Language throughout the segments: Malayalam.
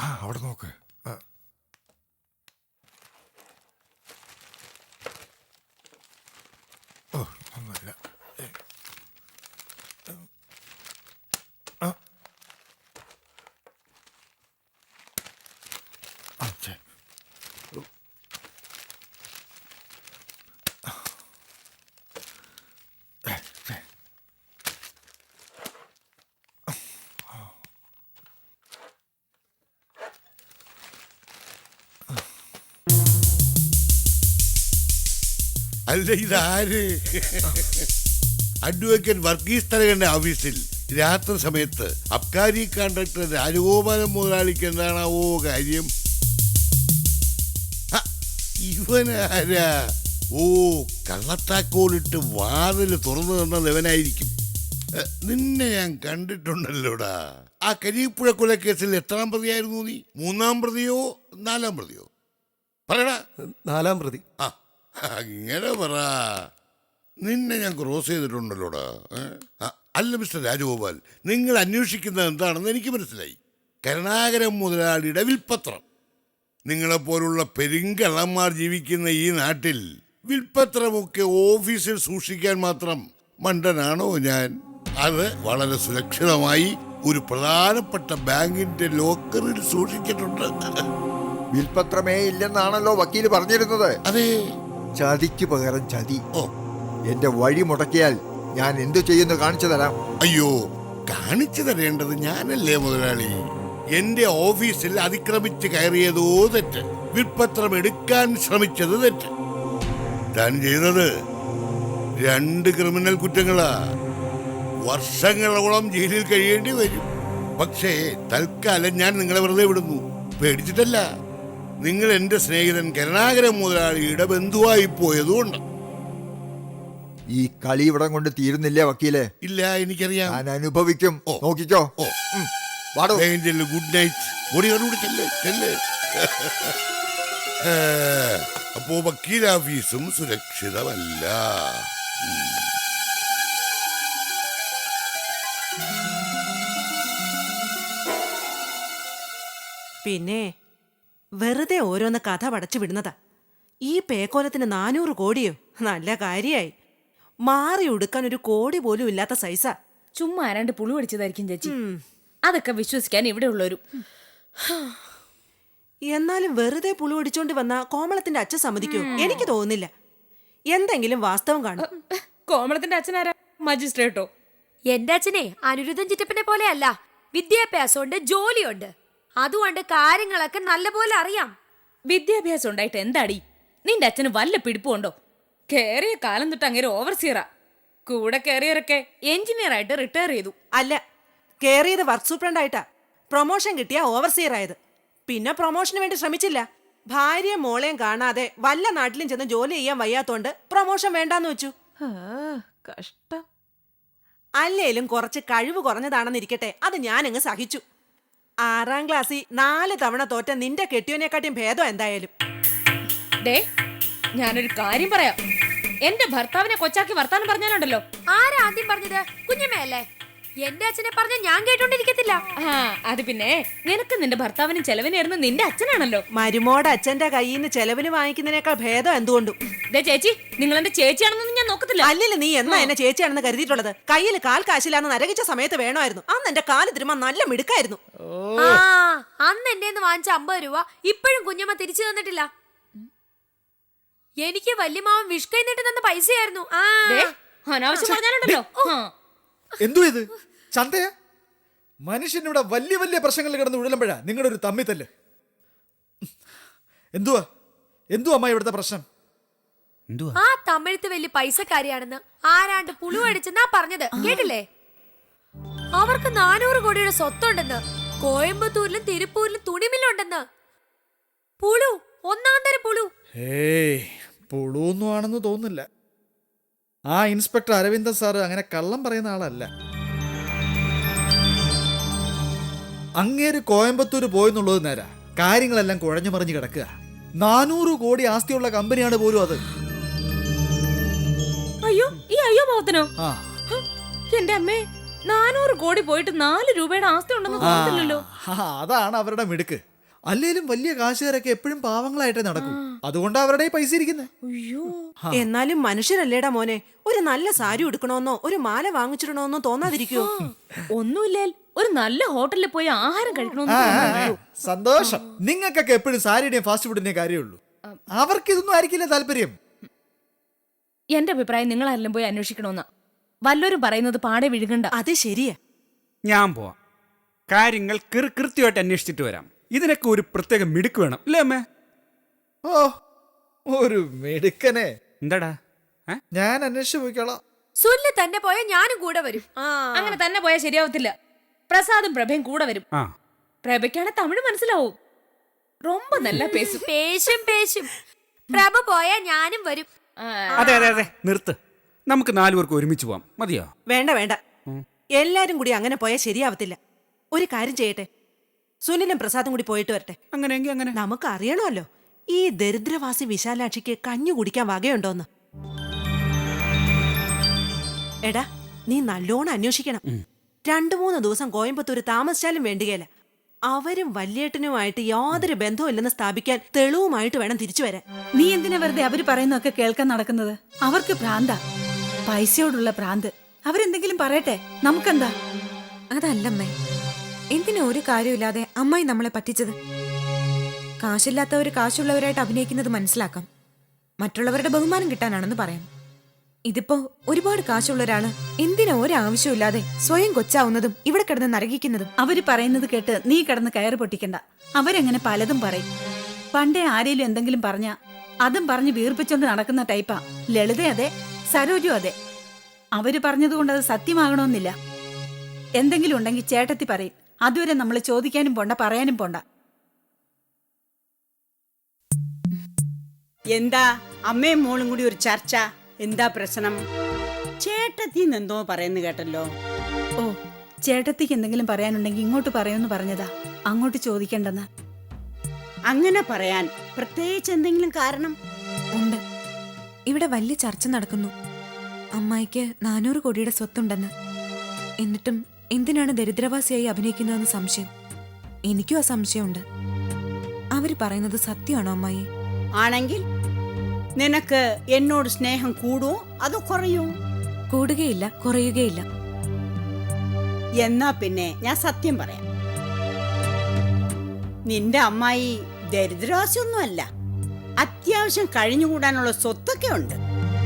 അവിടെ നോക്ക്. ഓ ഒന്നുമില്ല. അല്ല ഇതാര്? അഡ്വക്കേറ്റ് വർഗീസ് തരകന്റെ ഓഫീസിൽ രാത്രി സമയത്ത് അബ്കാരി കോൺട്രാക്ടർ രാജഗോപാലൻ മുതലാളിക്ക് എന്താണാവോ കാര്യം? ഇവനാരാ? ഓ, കള്ളത്താക്കോലിട്ട് വാതില് തുറന്നു തന്നത് ഇവനായിരിക്കും. നിന്നെ ഞാൻ കണ്ടിട്ടുണ്ടല്ലോടാ. ആ കരിപ്പുഴ കൊലക്കേസിൽ എത്രാം പ്രതിയായിരുന്നു നീ? 3-ാം പ്രതിയോ 4-ാം പ്രതിയോ? പറയടാ. 4-ാം പ്രതി. ആ, അങ്ങനെ പറ. നിന്നെ ഞാൻ ക്രോസ് ചെയ്തിട്ടുണ്ടല്ലോടാ. അല്ല മിസ്റ്റർ രാജഗോപാൽ, നിങ്ങൾ അന്വേഷിക്കുന്നത് എന്താണെന്ന് എനിക്ക് മനസ്സിലായി. കരുണാകരൻ മുതലാളിയുടെ വിൽപ്പത്രം. നിങ്ങളെപ്പോലുള്ള പെരുങ്കള്ളന്മാർ ജീവിക്കുന്ന ഈ നാട്ടിൽ വിൽപ്പത്രമൊക്കെ ഓഫീസിൽ സൂക്ഷിക്കാൻ മാത്രം മണ്ടനാണോ ഞാൻ? അത് വളരെ സുരക്ഷിതമായി ഒരു പ്രധാനപ്പെട്ട ബാങ്കിന്റെ ലോക്കറിൽ സൂക്ഷിച്ചിട്ടുണ്ട്. വിൽപത്രമേ ഇല്ലെന്നാണല്ലോ വക്കീല് പറഞ്ഞിരുന്നത്. അതെ. ചതിക്ക് പകരം ചതി. ഓ, എന്റെ വഴി മുടക്കിയാൽ ഞാൻ എന്തു ചെയ്യുന്നു കാണിച്ചു തരാം. അയ്യോ, കാണിച്ചു തരേണ്ടത് ഞാനല്ലേ മുതലാളി? എന്റെ ഓഫീസിൽ അതിക്രമിച്ച് കയറിയതോ തെറ്റ്, വിൽപ്പത്രം എടുക്കാൻ ശ്രമിച്ചത് തെറ്റ്. താൻ ചെയ്തത് 2 ക്രിമിനൽ കുറ്റങ്ങളാ. വർഷങ്ങളോളം ജയിലിൽ കഴിയേണ്ടി വരും. പക്ഷേ തൽക്കാലം ഞാൻ നിങ്ങളെ വെറുതെ വിടുന്നു. പേടിച്ചിട്ടല്ല, നിങ്ങൾ എന്റെ സ്നേഹിതൻ കരുണാകരൻ മുതലാളിയുടെ ബന്ധുവായി പോയതുകൊണ്ട്. ഈ കളി ഇവിടം കൊണ്ട് തീരുന്നില്ലേ വക്കീലെ? ഇല്ല, എനിക്കറിയാം. ഞാൻ അനുഭവിക്കും. ഓ, നോക്കിക്കോ. ഓ, വാടോ. Good night. ഓടിയോടുകൂടി ചെല്ല്. അപ്പോ വക്കീൽ ഓഫീസും സുരക്ഷിതമല്ല. പിന്നെ വെറുതെ ഓരോന്ന് കഥ പടച്ചു വിടുന്നതാ. ഈ പേക്കോലത്തിന് 400 കോടിയോ? നല്ല കാര്യായി. മാറി ഉടുക്കാൻ 1 കോടി പോലും ഇല്ലാത്ത സൈസാ. ചുമ്മാ ആരാണ്ട് പുളു അടിച്ചതായിരിക്കും ചേച്ചി. അതൊക്കെ വിശ്വസിക്കാൻ ഇവിടെ ഉള്ളൊരു. എന്നാലും വെറുതെ പുളു അടിച്ചോണ്ട് വന്ന കോമളത്തിന്റെ അച്ഛൻ സമ്മതിക്കോ? എനിക്ക് തോന്നുന്നില്ല. എന്തെങ്കിലും വാസ്തവം കാണും. കോമളത്തിന്റെ അച്ഛനാരാ? മജിസ്ട്രേട്ടോ? എന്റെ അച്ഛനെ അനിരുദ്ധൻ ചിറ്റപ്പനെ പോലെയല്ല. വിദ്യാഭ്യാസമുണ്ട്, ജോലിയുണ്ട്. അതുകൊണ്ട് കാര്യങ്ങളൊക്കെ നല്ലപോലെ അറിയാം. വിദ്യാഭ്യാസം ഉണ്ടായിട്ട് എന്താടി? നിന്റെ അച്ഛന് വല്ല പിടിപ്പുണ്ടോ? കേറിയ കാലം തൊട്ട് അങ്ങനെ ഓവർസിയറാ. കൂടെ കയറിയവരൊക്കെ എഞ്ചിനീയർ ആയിട്ട് റിട്ടയർ ചെയ്തു. അല്ല, കേറിയത് വർക്ക് സൂപ്രണ്ടായിട്ടാ. പ്രൊമോഷൻ കിട്ടിയ ഓവർസിയർ ആയത്. പിന്നെ പ്രൊമോഷന് വേണ്ടി ശ്രമിച്ചില്ല. ഭാര്യയും മോളെയും കാണാതെ വല്ല നാട്ടിലും ചെന്ന് ജോലി ചെയ്യാൻ വയ്യാത്തോണ്ട് പ്രൊമോഷൻ വേണ്ടാന്ന് വെച്ചു. കഷ്ടം. അല്ലേലും കുറച്ച് കഴിവ് കുറഞ്ഞതാണെന്നിരിക്കട്ടെ, അത് ഞാനങ്ങ് സഹിച്ചു. 6-ാം ക്ലാസ്സിൽ 4 തവണ തോറ്റ നിന്റെ കെട്ടിയോനെക്കാട്ടിയും ഭേദം എന്തായാലും. ഡേ, ഞാനൊരു കാര്യം പറയാം. എന്റെ ഭർത്താവിനെ കൊച്ചാക്കി വർത്താനം പറഞ്ഞാലുണ്ടല്ലോ. ആരാ ആദ്യം പറഞ്ഞത്? കുഞ്ഞമ്മയല്ലേ? എന്റെ അച്ഛനെ പറഞ്ഞ ഞാൻ കേട്ടോണ്ടിരിക്കത്തില്ല. അത് പിന്നെ നിനക്ക് നിന്റെ ഭർത്താവിനും ചെലവിനായിരുന്നു നിന്റെ അച്ഛനാണല്ലോ. മരുമോടെ അച്ഛന്റെ കയ്യിൽ നിന്ന് ചെലവിന് വാങ്ങിക്കുന്നതിനേക്കാൾ ഭേദം എന്തുകൊണ്ടും. ചേച്ചി, നിങ്ങൾ എന്റെ ചേച്ചിയാണെന്നൊന്നും ഞാൻ നോക്കത്തില്ല. അല്ലല്ലോ, നീ എന്നാ എന്നെ ചേച്ചിയാണെന്ന് കരുതിയിട്ടുള്ളത്? കയ്യിൽ കാൽ കാശില്ലാന്ന് നരകിച്ച സമയത്ത് വേണമായിരുന്നു. അന്ന് എന്റെ കാല് തിരുമാൻ നല്ല മിടുക്കായിരുന്നു. അന്ന് എന്റെ വാങ്ങിച്ച 50 രൂപ ഇപ്പോഴും കുഞ്ഞമ്മ തിരിച്ചു തന്നിട്ടില്ല. എനിക്ക് വല്യമാവൻ വിഷ്കൈ നീട്ടി തന്ന പൈസയായിരുന്നു. അനാവശ്യം പറഞ്ഞാലുണ്ടല്ലോ. എന്തോ ഇത് ചന്തയാ? മനുഷ്യനിവിടെ വലിയ വലിയ പ്രശ്നങ്ങളിൽ കിടന്ന് ഉഴലുമ്പോഴാ നിങ്ങളുടെ ഒരു തമ്മിത്തല്ല്. എന്തുവാ അമ്മ ഇവിടുത്തെ പ്രശ്നം? ആ തമിഴത്ത് വലിയ പൈസക്കാരിയാണെന്ന് ആരാണ്ട് പുളു അടിച്ചെന്നാ പറഞ്ഞത്. കേട്ടില്ലേ? അവർക്ക് 400 കോടിയുടെ സ്വത്തുണ്ടെന്ന്. കോയമ്പത്തൂരിലും തിരുപ്പൂരിലും തുണിമില്ലുണ്ടെന്ന്. പുളു, 1-ാം തരം പുളു. പുളുവൊന്നും ആണെന്ന് തോന്നുന്നില്ല. ആ ഇൻസ്പെക്ടർ അരവിന്ദൻ സാറ് അങ്ങനെ കള്ളം പറയുന്ന ആളല്ല. അങ്ങേര് കോയമ്പത്തൂർ പോയെന്നുള്ളത് നേരാ. കാര്യങ്ങളെല്ലാം കുഴഞ്ഞു മറിഞ്ഞു കിടക്കുക. 400 കോടി ആസ്തിയുള്ള കമ്പനിയാണ് പോലും അത്. അയ്യോ, ഈ അയ്യോ പാവത്തിനോ? എന്റെ അമ്മേ, 400 കോടി പോയിട്ട് 4 രൂപയുടെ ആസ്തി ഉണ്ടെന്ന് തോന്നുന്നില്ലല്ലോ. അതാണ് അവരുടെ മിടുക്ക്. അല്ലേലും വലിയ കാശുകാരൊക്കെ എപ്പോഴും പാവങ്ങളായിട്ടേ നടക്കും. അതുകൊണ്ട് അവരുടെ പൈസ ഇരിക്കുന്നത്. അയ്യോ, എന്നാലും മനുഷ്യരല്ലേടാ മോനെ, ഒരു നല്ല സാരി ഉടുക്കണമെന്നോ ഒരു മാല വാങ്ങിച്ചിടണമെന്നോ തോന്നാതിരിക്കുവോ? ഒന്നുമില്ലേൽ ഒരു നല്ല ഹോട്ടലിൽ പോയി ആഹാരം കഴിക്കണമെന്ന് തോന്നുന്നു. സന്തോഷം. നിങ്ങൾക്കൊക്കെ എപ്പോഴും സാരിയുടെയും ഫാസ്റ്റ് ഫുഡിന്റെയും കാര്യമുള്ളൂ. അവർക്ക് ഇതൊന്നും ആയിരിക്കില്ല താല്പര്യം. എന്റെ അഭിപ്രായം നിങ്ങൾ ആരെങ്കിലും പോയി അന്വേഷിക്കണമെന്നാ. വല്ലവരും പറയുന്നത് പാടെ വിഴുകണ്ട. അത് ശരിയാ. ഞാൻ പോവാം. കാര്യങ്ങൾ കൃത്യമായിട്ട് അന്വേഷിച്ചിട്ട് വരാം. ഇതിനൊക്കെ ഒരു പ്രത്യേക മിടുക്ക് വേണം, അല്ലേ അമ്മേ? ഓ, ഒരു മെടുക്കനെ. എന്താടാ? ഞാൻ അന്വേഷിച്ചു പോയിക്കോളാം. സുനില് തന്നെ പോയാ ഞാനും കൂടെ വരും. അങ്ങനെ തന്നെ പോയാൽ ശരിയാവത്തില്ല. പ്രസാദും പ്രഭയും കൂടെ വരും. ആ, പ്രഭയ്ക്കാണ് തമിഴ് മനസ്സിലാവും. ரொம்ப നല്ല പേസും. പേശും പേശും. പ്രഭ പോയാ ഞാനും വരും. അതെ അതെ അതെ, നിർത്ത്. നമുക്ക് 4 പേർക്ക് ഒരുമിച്ച് പോവാം. മതിയോ? വേണ്ട വേണ്ട, എല്ലാരും കൂടി അങ്ങനെ പോയാൽ ശരിയാവത്തില്ല. ഒരു കാര്യം ചെയ്യട്ടെ, സുനിലും പ്രസാദും കൂടി പോയിട്ട് വരട്ടെ. അങ്ങനെയെങ്കിൽ അങ്ങനെ. നമുക്ക് അറിയണമല്ലോ ഈ ദരിദ്രവാസി വിശാലാക്ഷിക്ക് കഞ്ഞു കുടിക്കാൻ വകയുണ്ടോന്ന്. എടാ, നീ നല്ലോണം അന്വേഷിക്കണം. 2-3 ദിവസം കോയമ്പത്തൂര് താമസിച്ചാലും വേണ്ടിയല്ല. അവരും വല്യേട്ടനുമായിട്ട് യാതൊരു ബന്ധവും ഇല്ലെന്ന് സ്ഥാപിക്കാൻ തെളിവുമായിട്ട് വേണം തിരിച്ചു വരാൻ. നീ എന്തിനാ വെറുതെ അവര് പറയുന്നൊക്കെ കേൾക്കാൻ നടക്കുന്നത്? അവർക്ക് ഭ്രാന്താ, പൈസയോടുള്ള ഭ്രാന്ത്. അവരെന്തെങ്കിലും പറയട്ടെ, നമുക്കെന്താ? അതല്ലമ്മേ, എന്തിനാ ഒരു കാര്യമില്ലാതെ അമ്മായി നമ്മളെ പറ്റിച്ചത്? കാശില്ലാത്തവര് കാശുള്ളവരായിട്ട് അഭിനയിക്കുന്നത് മനസ്സിലാക്കാം. മറ്റുള്ളവരുടെ ബഹുമാനം കിട്ടാനാണെന്ന് പറയാം. ഇതിപ്പോ ഒരുപാട് കാശുള്ള ഒരാള് എന്തിനാ ഒരാവശ്യമില്ലാതെ സ്വയം കൊച്ചാവുന്നതും ഇവിടെ കിടന്ന് നരകിക്കുന്നതും? അവര് പറയുന്നത് കേട്ട് നീ കിടന്ന് കയറ് പൊട്ടിക്കണ്ട. അവരങ്ങനെ പലതും പറയും. പണ്ടേ ആരേലും എന്തെങ്കിലും പറഞ്ഞ അതും പറഞ്ഞ് വീർപ്പിച്ചോണ്ട് നടക്കുന്ന ടൈപ്പാ ലളിത. അതെ, സരോജു അതെ. അവര് പറഞ്ഞതുകൊണ്ട് അത് സത്യമാകണമെന്നില്ല. എന്തെങ്കിലും ഉണ്ടെങ്കിൽ ചേട്ടത്തി പറയും. അതുവരെ നമ്മൾ ചോദിക്കാനും പോണ്ട, പറയാനും പോണ്ട. എന്താ അമ്മയും മോളും കൂടി ഒരു ചർച്ച? എന്താ പ്രശ്നം? ചേട്ടത്തിന്ന് എന്തോ പറയുന്നു കേട്ടല്ലോ. ഓ, ചേട്ടത്തിക്ക് എന്തെങ്കിലും പറയാനുണ്ടെങ്കിൽ ഇങ്ങോട്ട് പറയുമെന്ന് പറഞ്ഞതാ, അങ്ങോട്ട് ചോദിക്കണ്ടെന്ന്. അങ്ങനെ പറയാൻ പ്രത്യേകിച്ച് എന്തെങ്കിലും കാരണം? ഉണ്ട്. ഇവിടെ വലിയ ചർച്ച നടക്കുന്നു. അമ്മായിക്ക് 400 കോടിയുടെ സ്വത്തുണ്ടെന്ന്. എന്നിട്ടും എന്തിനാണ് ദരിദ്രവാസിയായി അഭിനയിക്കുന്നതെന്ന് സംശയം. എനിക്കും ആ സംശയമുണ്ട്. അവര് പറയുന്നത് സത്യമാണോ അമ്മായി? ആണെങ്കിൽ നിനക്ക് എന്നോട് സ്നേഹം കൂടുവോ അതോ കുറയോ? കൂടുകയില്ല, കുറയുകയില്ല. എന്നാ പിന്നെ ഞാൻ സത്യം പറയാം. നിന്റെ അമ്മായി ദരിദ്രവാസിയൊന്നുമല്ല. അത്യാവശ്യം കഴിഞ്ഞുകൂടാനുള്ള സ്വത്തൊക്കെ ഉണ്ട്.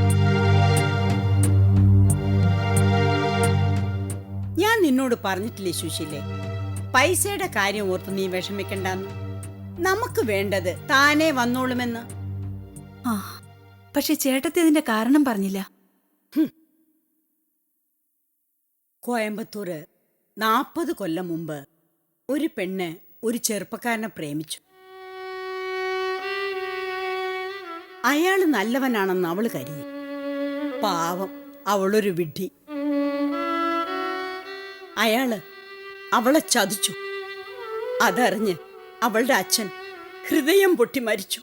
ഞാൻ നിന്നോട് പറഞ്ഞിട്ടില്ലേ സുശീലേ, പൈസയുടെ കാര്യം ഓർത്ത് നീ വിഷമിക്കണ്ടെന്ന്. നമുക്ക് വേണ്ടത് താനേ വന്നോളുമെന്ന്. ആ, പക്ഷെ ചേട്ടത്തി ഇതിന്റെ കാരണം പറഞ്ഞില്ല. കോയമ്പത്തൂര് 40 കൊല്ലം മുമ്പ് ഒരു പെണ്ണ് ഒരു ചെറുപ്പക്കാരനെ പ്രേമിച്ചു. അയാള് നല്ലവനാണെന്ന് അവള് കരുതി. പാവം, അവളൊരു വിഡ്ഢി. അയാള് അവളെ ചതിച്ചു. അതറിഞ്ഞ് അവളുടെ അച്ഛൻ ഹൃദയം പൊട്ടി മരിച്ചു.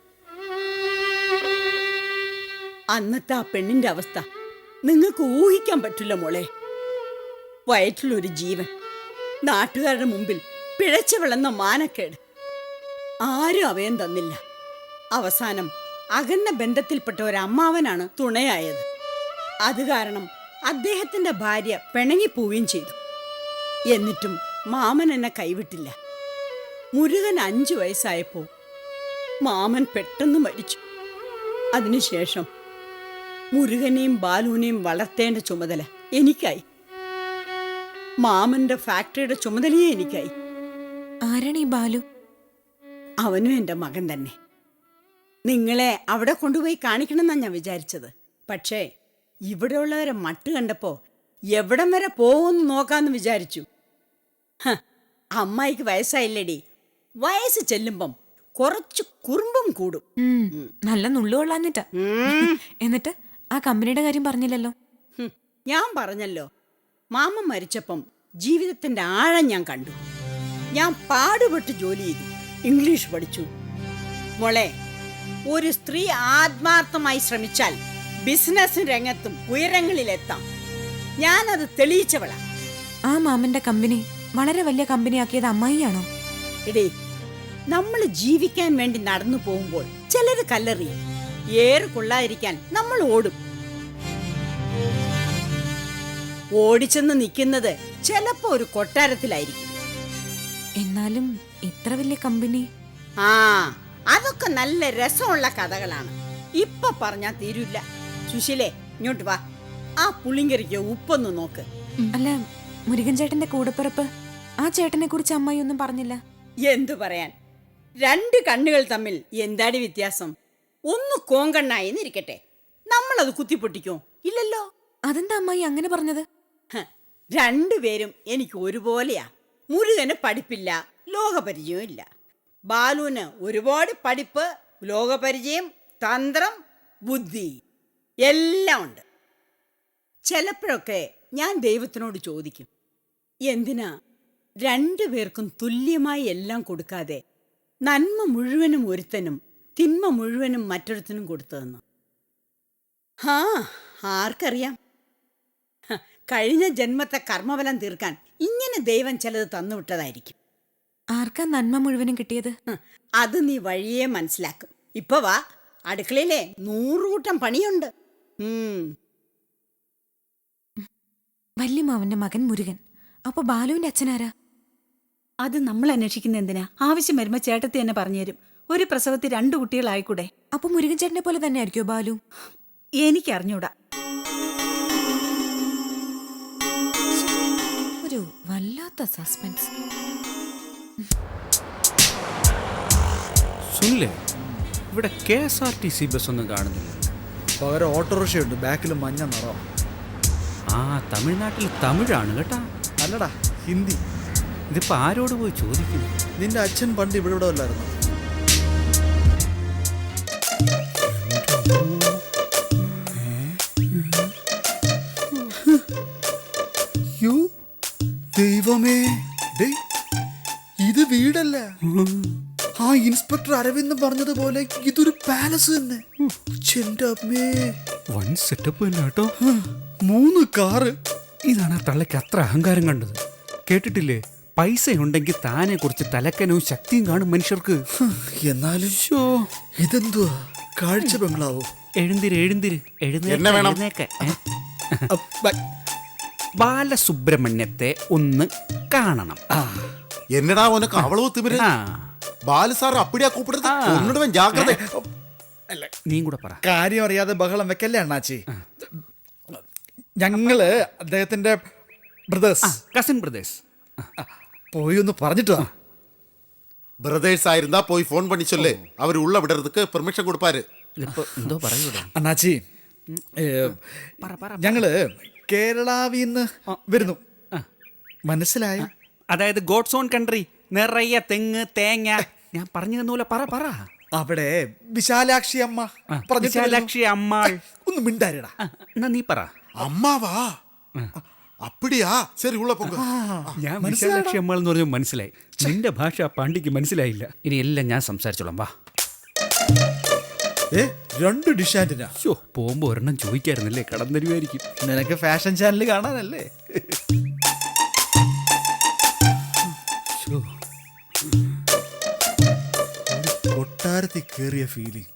അന്നത്തെ ആ പെണ്ണിന്റെ അവസ്ഥ നിങ്ങൾക്ക് ഊഹിക്കാൻ പറ്റില്ല മോളെ. വയറ്റിലൊരു ജീവൻ, നാട്ടുകാരുടെ മുമ്പിൽ പിഴച്ചു വിളന്ന മാനക്കേട്. ആരും അഭയം തന്നില്ല. അവസാനം അകന്ന ബന്ധത്തിൽപ്പെട്ട ഒരമ്മാവനാണ് തുണയായത്. അത് കാരണം അദ്ദേഹത്തിന്റെ ഭാര്യ പിണങ്ങിപ്പോവുകയും ചെയ്തു. എന്നിട്ടും മാമൻ എന്നെ കൈവിട്ടില്ല. മുരുകൻ 5 വയസ്സായപ്പോ മാമൻ പെട്ടെന്ന് മരിച്ചു. അതിനുശേഷം മുരുകനെയും ബാലുവിനെയും വളർത്തേണ്ട ചുമതല എനിക്കായി. മാമന്റെ ഫാക്ടറിയുടെ ചുമതലയെ എനിക്കായി. ആരാണ് ഈ ബാലു? അവനും എൻ്റെ മകൻ തന്നെ. നിങ്ങളെ അവിടെ കൊണ്ടുപോയി കാണിക്കണമെന്നാണ് ഞാൻ വിചാരിച്ചത്. പക്ഷേ ഇവിടെയുള്ളവരെ മട്ട് കണ്ടപ്പോ എവിടം വരെ പോകുമെന്ന് നോക്കാമെന്ന് വിചാരിച്ചു. അമ്മായിക്ക് വയസ്സായില്ലേടി. വയസ്സ് ചെല്ലുമ്പം കുറച്ച് കുറുമ്പും കൂടും. നല്ല നുള്ളുകൊള്ളാഞ്ഞിട്ടാ. എന്നിട്ട് ആ കമ്പനിയുടെ കാര്യം പറഞ്ഞില്ലല്ലോ. ഞാൻ പറഞ്ഞല്ലോ, മാമൻ മരിച്ചപ്പം ജീവിതത്തിന്റെ ആഴം ഞാൻ കണ്ടു. ഞാൻ പാടുപെട്ട് ജോലി ചെയ്തു, ഇംഗ്ലീഷ് പഠിച്ചു. മോളെ, ഒരു സ്ത്രീ ആത്മാർത്ഥമായി ശ്രമിച്ചാൽ ബിസിനസ് രംഗത്തും ഉയരങ്ങളിലെത്താം. ഞാനത് തെളിയിച്ചവളാ. ആ മാമന്റെ കമ്പനി വളരെ വലിയ കമ്പനിയാക്കിയത് അമ്മായിയാണോ? എടേ, നമ്മൾ ജീവിക്കാൻ വേണ്ടി നടന്നു പോകുമ്പോൾ ചിലര് കല്ലെറിയും, ഏറ് കൊള്ളാതിരിക്കാൻ നമ്മൾ ഓടും. ഓടിച്ചെന്ന് നിൽക്കുന്നത് ചിലപ്പോ ഒരു കൊട്ടാരത്തിലായിരിക്കും. എന്നാലും ഇത്ര വലിയ കമ്പനി. ആ, അതൊക്കെ നല്ല രസമുള്ള കഥകളാണ്. ഇപ്പൊ പറഞ്ഞാ തീരില്ല. സുശീലേ, ഇങ്ങോട്ട് വാ. ആ പുളിങ്കറിക്ക് ഉപ്പൊന്ന് നോക്ക്. അല്ല, മുരുകൻ ചേട്ടന്റെ കൂടപ്പിറപ്പ്, ആ ചേട്ടനെ കുറിച്ച് അമ്മായി ഒന്നും പറഞ്ഞില്ല. എന്തു പറയാൻ, രണ്ട് കണ്ണുകൾ തമ്മിൽ എന്താടി വ്യത്യാസം? ഒന്ന് കോങ്കണ്ണായിന്നിരിക്കട്ടെ, നമ്മളത് കുത്തിപ്പൊട്ടിക്കോ? ഇല്ലല്ലോ. അതെന്താ അമ്മായി അങ്ങനെ പറഞ്ഞത്? രണ്ടുപേരും എനിക്ക് ഒരുപോലെയാ. മുരുകന് പഠിപ്പില്ല, ലോകപരിചയവും ഇല്ല. ബാലുവിന് ഒരുപാട് പഠിപ്പ്, ലോകപരിചയം, തന്ത്രം, ബുദ്ധി എല്ലാം ഉണ്ട്. ചിലപ്പോഴൊക്കെ ഞാൻ ദൈവത്തിനോട് ചോദിക്കും, എന്തിനാ രണ്ടുപേർക്കും തുല്യമായി എല്ലാം കൊടുക്കാതെ നന്മ മുഴുവനും ഒരുത്തനും തിന്മ മുഴുവനും മറ്റൊരുത്തനും കൊടുത്തതെന്ന്. ആർക്കറിയാം, കഴിഞ്ഞ ജന്മത്തെ കർമ്മഫലം തീർക്കാൻ ഇങ്ങനെ ദൈവം ചിലത് തന്നുവിട്ടതായിരിക്കും. ആർക്കാ നന്മ മുഴുവനും കിട്ടിയത്? അത് നീ വഴിയേ മനസ്സിലാക്കും. ഇപ്പൊ വാ, അടുക്കളയിലെ 100 കൂട്ടം പണിയുണ്ട്. വല്യമാവന്റെ മകൻ മുരുകൻ. അപ്പൊ ബാലുവിന്റെ അച്ഛനാരാ? അത് നമ്മൾ അന്വേഷിക്കുന്ന എന്തിനാ? ആവശ്യം വരുമ്പോ ചേട്ടത്തി തന്നെ പറഞ്ഞുതരും. ഒരു പ്രസവത്തിൽ 2 കുട്ടികളായിക്കൂടെ? അപ്പൊ മുരുകൻ ചേട്ടനെ പോലെ തന്നെ ആയിരിക്കോ ബാലു? എനിക്കറിഞ്ഞൂടാ. ഒരു വല്ലാത്ത സസ്പെൻസ്. സുനിലേ, ഇവിടെ KSRTC ബസ് ഒന്നും കാണുന്നില്ല. പകരം ഓട്ടോറിക്ഷയുണ്ട്, ബാക്കിൽ മഞ്ഞ നിറം. ആ, തമിഴ്നാട്ടിൽ തമിഴാണ് കേട്ടാ. അല്ലടാ, ഹിന്ദി. ഇതിപ്പോ ആരോട് പോയി ചോദിക്കുന്നു? നിന്റെ അച്ഛൻ പണ്ട് ഇവിടെ അല്ലായിരുന്നു? ദൈവമേ, ഇത് വീടല്ല. ആ ഇൻസ്പെക്ടർ അരവിന്ദ് പറഞ്ഞതുപോലെ ഇതൊരു പാലസ് തന്നെ. വൺ സെറ്റപ്പ് തന്നെ കേട്ടോ. 3 കാറ്. ഇതാണ് ആ തള്ളയ്ക്ക് അത്ര അഹങ്കാരം കണ്ടത്. കേട്ടിട്ടില്ലേ, പൈസ ഉണ്ടെങ്കിൽ താനെ കുറിച്ച് തലക്കനവും ശക്തിയും കാണും മനുഷ്യർക്ക്. എന്നാലും ഇതെന്തുവാ, കാഴ്ച ബംഗ്ലാവോ? എഴുന്തിര് എഴുന്നേക്ക്. ബാലസുബ്രഹ്മണ്യത്തെ ഒന്ന് കാണണം. എന്നടാ ഉനക്ക് അവളോ തിമിര്? ബാലസാർ അപ്പിടിയാ കൂപ്പിടുന്നത്. ഒന്നിടുവൻ ജാഗ്രത. നീ കൂടെ പറ. കാര്യം അറിയാതെ ബഹളം വെക്കല്ലേ അണ്ണാച്ചി. ഞങ്ങള് അദ്ദേഹത്തിന്റെ കസിൻ ബ്രദേഴ്സ് പോയി ഒന്ന് പറഞ്ഞിട്ടോ. பிரதர்ஸ் ஆயிருந்தா போய் ஃபோன் பண்ணி சொல்லு. அவர் உள்ள விடுறதுக்கு பெர்மிஷன் கொடுப்பாரு. എന്തോ പറയൂടാ അണ്ണാച്ചി, ഞങ്ങള് കേരളാവിന്ന് വരുന്നു. മനസ്സിലായോ? അതായത് ഗോഡ്സ് ഓൺ കൺട്രി, നിറയെ തെങ്ങ് തേങ്ങ. ഞാൻ പറഞ്ഞു തന്നൂല, പറ. അവിടെ വിശാലാക്ഷി അമ്മ വിശാലാക്ഷി അമ്മാൾ. ഒന്ന് മിണ്ടാരിടാ. എന്നാ നീ പറ. അമ്മാവാ? അപ്പിടിയാ? ശരി, ഉള്ള പോക. ഞാൻ വിശാലാക്ഷി അമ്മാൾ എന്ന് പറഞ്ഞു മനസ്സിലായി. നിന്റെ ഭാഷ പാണ്ഡിക്ക് മനസ്സിലായില്ല. ഇനി എല്ലാം ഞാൻ സംസാരിച്ചോളാം, വാ. 2 ഡിഷ് ആന്റിനാ. പോകുമ്പോ ഒരെണ്ണം ചോദിക്കായിരുന്നല്ലേ, കടം തരുമായിരിക്കും. നിനക്ക് ഫാഷൻ ചാനൽ കാണാനല്ലേ? കൊട്ടാരത്തിൽ കേറിയ ഫീലിംഗ്.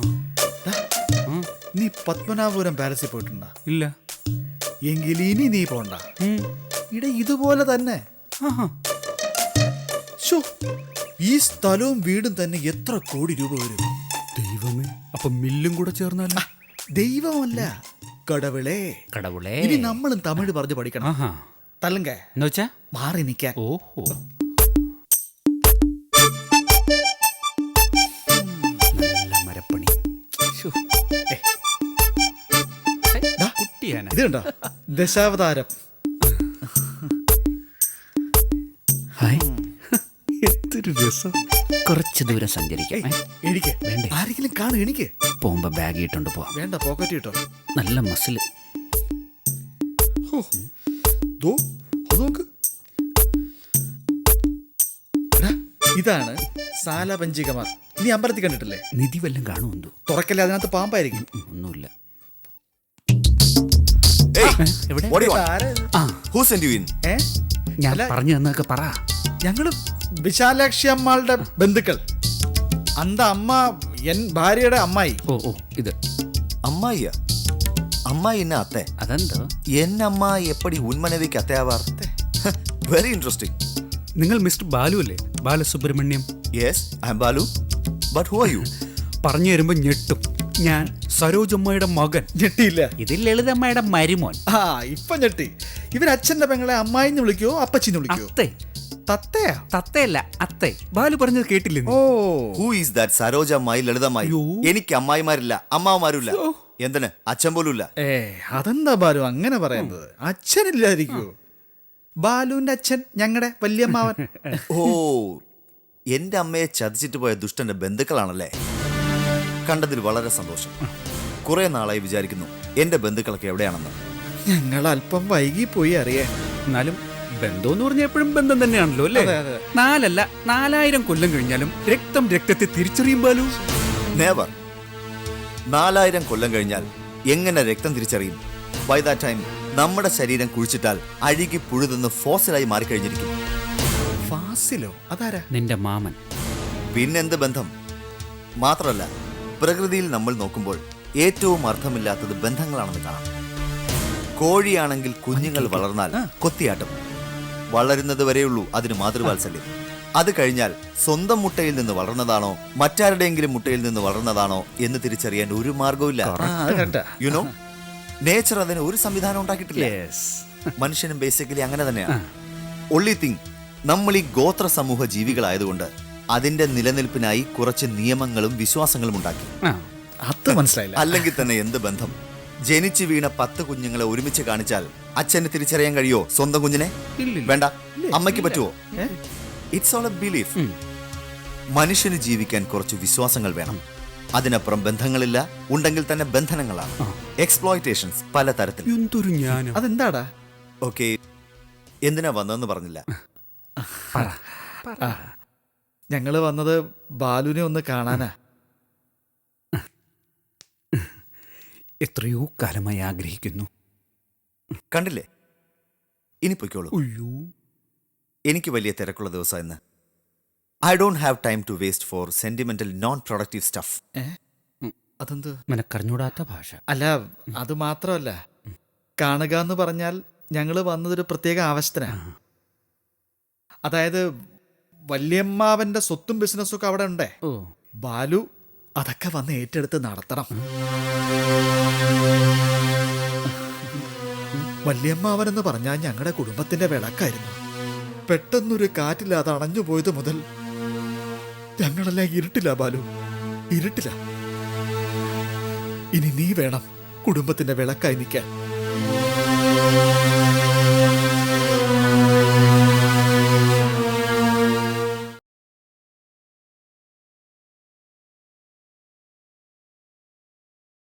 നീ പത്മനാഭപുരം പാലസിൽ പോയിട്ടുണ്ടാ? ഇല്ല. എങ്കിൽ ഇനി നീ പോണ്ട. ഇട ഇതുപോലെ തന്നെ. ഈ സ്ഥലവും വീടും തന്നെ എത്ര കോടി രൂപ വരും? ദൈവമേ, അപ്പൊ മില്ലും കൂടെ ചേർന്നാല? ദൈവമല്ല, കടവിളേ. ഇനി നമ്മളും തമിഴ് പറഞ്ഞു പഠിക്കണം. തല്ലുങ്ക എന്നുവെച്ചാ മാറി നിൽക്കാൻ. ഓഹോ, നല്ല മരപ്പണി. കുട്ടിയാന. ഇത് കണ്ടോ, ദശാവതാരം. എന്തൊരു രസം. കുറച്ച് ദൂരം സഞ്ചരിക്കാം. എനിക്ക് ആരെങ്കിലും കാണും. എനിക്ക് പോകുമ്പോ ബാഗ് ഇട്ടുണ്ട് പോവാം. വേണ്ട, പോക്കറ്റ് കിട്ടോ. നല്ല മസിൽ. ഇതാണ് സാലപഞ്ചികമാർ. നീ അമ്പലത്തിൽ കണ്ടിട്ടില്ലേ? നിധി വല്ലതും കാണുമെന്തോ. തുറക്കല്ലേ, അതിനകത്ത് പാമ്പായിരിക്കും. ഒന്നുമില്ല. ഞാൻ ഞാൻ പറഞ്ഞു തന്നൊക്കെ പറ. ഞങ്ങള് വിശാലാക്ഷി അമ്മാളുടെ ബന്ധുക്കൾ അന്ത അമ്മ എൻ ഭാര്യയുടെ അമ്മായി. ഓ ഓ ഇത് അമ്മായിയ അമ്മായി എന്നെ അത്തേ അതെന്തോ എന്നമ്മ എപ്പടി ഉന്മനവിക്ക് അത്തയാവാർ വെരി ഇൻട്രസ്റ്റിംഗ്. നിങ്ങൾ മിസ്റ്റർ ബാലു അല്ലേ? Balasubrahmanyam. Yes I am Balu. But who are you? പറഞ്ഞു തരുമ്പോ ഞെട്ടും. ഞാൻ സരോജമ്മയുടെ മകൻ. ഞെട്ടിയില്ല. ഇത് ലളിതമ്മയുടെ മരുമോൻ. ആ ഇപ്പൊ ഞെട്ടി. ഇവർ അച്ഛന്റെ പെങ്ങളെ അമ്മായിന്ന് വിളിക്കോ അപ്പച്ചിന്ന് വിളിക്കോ? അത്തേ. തത്തയാ? തത്തയല്ല അത്തേ. ബാലു പറഞ്ഞത് കേട്ടില്ലേ നീ? ഓ ഹൂ ഈസ് ദാറ്റ് സരോജ അമ്മായി ലളിതമായി? എനിക്ക് അമ്മായിമാരില്ല അമ്മാവന്മാരില്ല. എന്തിന് അച്ഛൻ പോലും ഇല്ല. അതെന്താ ബാലു അങ്ങനെ പറയുന്നത്? അച്ഛനില്ലായിരിക്കോ? ബാലുവിന്റെ അച്ഛൻ ഞങ്ങളുടെ വല്യമ്മാവൻ. ഓ എന്റെ അമ്മയെ ചതിച്ചിട്ട് പോയ ദുഷ്ടന്റെ ബന്ധുക്കളാണല്ലേ? കണ്ടതിൽ വളരെ സന്തോഷം. കുറെ നാളായി വിചാരിക്കുന്നു എന്റെ ബന്ധുക്കളൊക്കെ എവിടെയാണെന്ന്. ഞങ്ങൾ അല്പം വൈകി പോയി അറിയാൻ. എന്നാലും ബന്ധം എന്ന് പറഞ്ഞാൽ എപ്പോഴും ബന്ധം തന്നെയാണല്ലോ അല്ലേ? 4 അല്ല 4000 കൊല്ലം കഴിഞ്ഞാലും രക്തം രക്തത്തെ തിരിച്ചറിയും ബാലു. നെവർ. 4000 കൊല്ലം കഴിഞ്ഞാൽ എങ്ങനെ രക്തം തിരിച്ചറിയും? ബൈ ദാറ്റ് ടൈം നമ്മുടെ ശരീരം കുഴിച്ചിട്ടാൽ അഴുകി പുഴുതെന്ന് ഫോസിലായി മാറിക്കഴിഞ്ഞിരിക്കും. ഫാസിലോ? അതാരാ? നിന്റെ മാമൻ. പിന്നെന്ത് ബന്ധം? മാത്രമല്ല പ്രകൃതിയിൽ നമ്മൾ നോക്കുമ്പോൾ ഏറ്റവും അർത്ഥമില്ലാത്തത് ബന്ധങ്ങളാണെന്ന് കാണാം. കോഴിയാണെങ്കിൽ കുഞ്ഞുങ്ങൾ വളർന്നാൽ കൊത്തിയാട്ടം. വളരുന്നത് വരെയുള്ളൂ അതിന് മാതൃവാത്സല്യം. അത് കഴിഞ്ഞാൽ സ്വന്തം മുട്ടയിൽ നിന്ന് വളർന്നതാണോ മറ്റാരുടെയെങ്കിലും മുട്ടയിൽ നിന്ന് വളർന്നതാണോ എന്ന് തിരിച്ചറിയാൻ ഒരു മാർഗവുമില്ല. യുനോ നേച്ചർ അതിന് ഒരു സംവിധാനം ഉണ്ടാക്കിയിട്ടില്ല. മനുഷ്യനും ബേസിക്കലി അങ്ങനെ തന്നെയാണ്. ഒൺലി തിങ് നമ്മൾ ഈ ഗോത്ര സമൂഹ ജീവികളായതുകൊണ്ട് അതിന്റെ നിലനിൽപ്പിനായി കുറച്ച് നിയമങ്ങളും വിശ്വാസങ്ങളും ഉണ്ടാക്കി. അത് മനസ്സിലായില്ല. അല്ലെങ്കിൽ തന്നെ എന്ത് ബന്ധം? ജനിച്ചു വീണ 10 കുഞ്ഞുങ്ങളെ ഒരുമിച്ച് കാണിച്ചാൽ അച്ഛന് തിരിച്ചറിയാൻ കഴിയോ സ്വന്തം കുഞ്ഞിനെ? വേണ്ട. അമ്മയ്ക്ക് പറ്റുമോ? It's all a belief. മനുഷ്യന് ജീവിക്കാൻ കുറച്ച് വിശ്വാസങ്ങൾ വേണം. അതിനപ്പുറം ബന്ധങ്ങളില്ല. ഉണ്ടെങ്കിൽ തന്നെ ബന്ധനങ്ങളാണ്. എക്സ്പ്ലോയിറ്റേഷൻസ് പല തരത്തിൽ. അതെന്താടാ? ഓക്കെ എന്തിനാ വന്നതെന്ന് പറഞ്ഞില്ല. ഞങ്ങള് വന്നത് ബാലുവിനെ ഒന്ന് കാണാനാ. എത്രയോ കാലമായി ആഗ്രഹിക്കുന്നു. കണ്ടില്ലേ? ഇനി പൊയ്ക്കോളൂ. എനിക്ക് വലിയ തിരക്കുള്ള ദിവസം ഇന്ന്. I don't have time to waste for sentimental non productive stuff. അതെന്ത്? നിനക്കറിഞ്ഞൂടാത്ത ഭാഷ. അല്ല അത് മാത്രമല്ല, കാണുക എന്ന് പറഞ്ഞാൽ ഞങ്ങള് വന്നതൊരു പ്രത്യേക ആവശ്യത്തിനാ. അതായത് വല്യമ്മാവന്റെ സ്വത്തും ബിസിനസ്സും ഒക്കെ അവിടെ ഉണ്ടേ. ബാലു അതൊക്കെ വന്ന് ഏറ്റെടുത്ത് നടത്തണം. വല്യമ്മാവനെന്ന് പറഞ്ഞാൽ ഞങ്ങളുടെ കുടുംബത്തിന്റെ വിളക്കായിരുന്നു. പെട്ടെന്നൊരു കാറ്റില്ലാതെ അണഞ്ഞു പോയത് മുതൽ ഞങ്ങളെല്ലാം ഇരുട്ടില്ല ബാലു, ഇരുട്ടില്ല. ഇനി നീ വേണം കുടുംബത്തിന്റെ വിളക്കായി നിൽക്കാൻ.